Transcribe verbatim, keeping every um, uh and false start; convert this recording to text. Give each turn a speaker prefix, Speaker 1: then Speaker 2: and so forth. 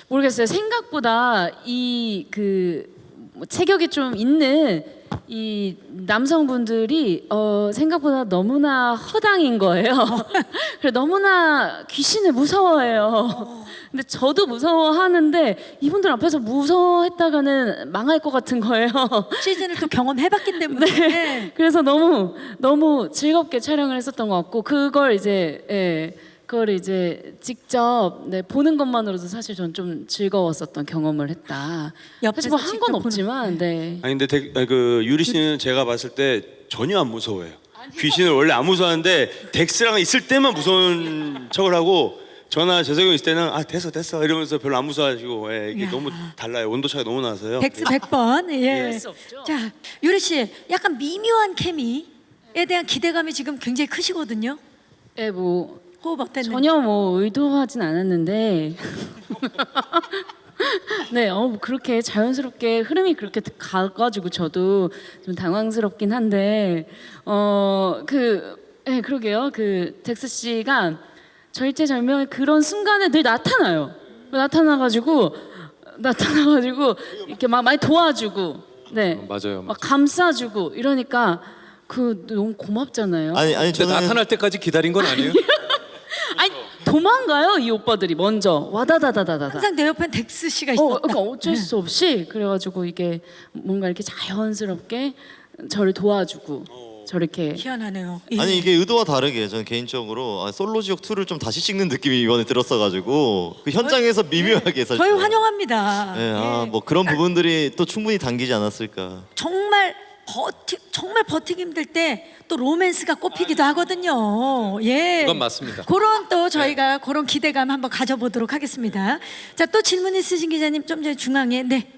Speaker 1: 모르겠어요. 생각보다 이 그 체격이 좀 있는 이 남성분들이 어 생각보다 너무나 허당인 거예요. 그래 너무나 귀신을 무서워해요. 근데 저도 무서워하는데 이분들 앞에서 무서워했다가는 망할 것 같은 거예요.
Speaker 2: 시즌을 또 경험해봤기 때문에.
Speaker 1: 네. 그래서 너무 너무 즐겁게 촬영을 했었던 것 같고 그걸 이제 예, 그걸 이제 직접 네, 보는 것만으로도 사실 전 좀 즐거웠었던 경험을 했다. 사실
Speaker 2: 옆에서
Speaker 1: 뭐 한
Speaker 2: 직접
Speaker 1: 건
Speaker 2: 보는-
Speaker 1: 없지만 네.
Speaker 3: 아니 근데 덱- 아니, 그 유리 씨는 제가 봤을 때 전혀 안 무서워해요. 귀신을 원래 안 무서워하는데 덱스랑 있을 때만 무서운 척을 하고 저나 재석이 형 있을 때는 아 됐어 됐어 이러면서 별로 안 무서워하시고 예, 이게
Speaker 2: 이야.
Speaker 3: 너무 달라요. 온도 차가 너무 나서요.
Speaker 2: 덱스 백 번. 예.
Speaker 1: 그럴 수 없죠.
Speaker 2: 자, 유리 씨, 약간 미묘한 케미에 대한 기대감이 지금 굉장히 크시거든요.
Speaker 1: 예, 뭐
Speaker 2: 호흡 어땠는지.
Speaker 1: 전혀 뭐 의도하진 않았는데 네, 어, 뭐 그렇게 자연스럽게 흐름이 그렇게 가가지고 저도 좀 당황스럽긴 한데 어, 그, 예, 그러게요. 그 덱스 씨가 절제절명의 그런 순간에 늘 나타나요. 나타나가지고 나타나가지고 이렇게 막 많이 도와주고, 네,
Speaker 4: 어, 맞아요,
Speaker 1: 막
Speaker 4: 맞아요.
Speaker 1: 감싸주고 이러니까 그 너무 고맙잖아요.
Speaker 5: 아니 아니
Speaker 4: 근데
Speaker 5: 저는
Speaker 4: 나타날 때까지 기다린 건 아니에요?
Speaker 1: 아니 도망가요 이 오빠들이 먼저 와다다다다다다.
Speaker 2: 항상 내 옆엔 덱스 씨가
Speaker 1: 어,
Speaker 2: 있었다.
Speaker 1: 그러니까 어쩔 수 없이 그래가지고 이게 뭔가 이렇게 자연스럽게 저를 도와주고 저렇게
Speaker 2: 희한하네요. 예.
Speaker 5: 아니 이게 의도와 다르게 저는 개인적으로 아, 솔로 지옥 투를 좀 다시 찍는 느낌이 이번에 들었어가지고 그 현장에서 미묘하게 사실
Speaker 2: 저희 환영합니다.
Speaker 5: 네, 아,
Speaker 2: 예.
Speaker 5: 뭐 그런 부분들이 또 충분히 당기지 않았을까.
Speaker 2: 정말 버티 정말 버티기 힘들 때 또 로맨스가 꼽히기도 하거든요. 예.
Speaker 4: 그건 맞습니다.
Speaker 2: 그런 또 저희가 그런 기대감 한번 가져보도록 하겠습니다. 자, 또 질문 있으신 기자님 좀 전에 중앙에 네.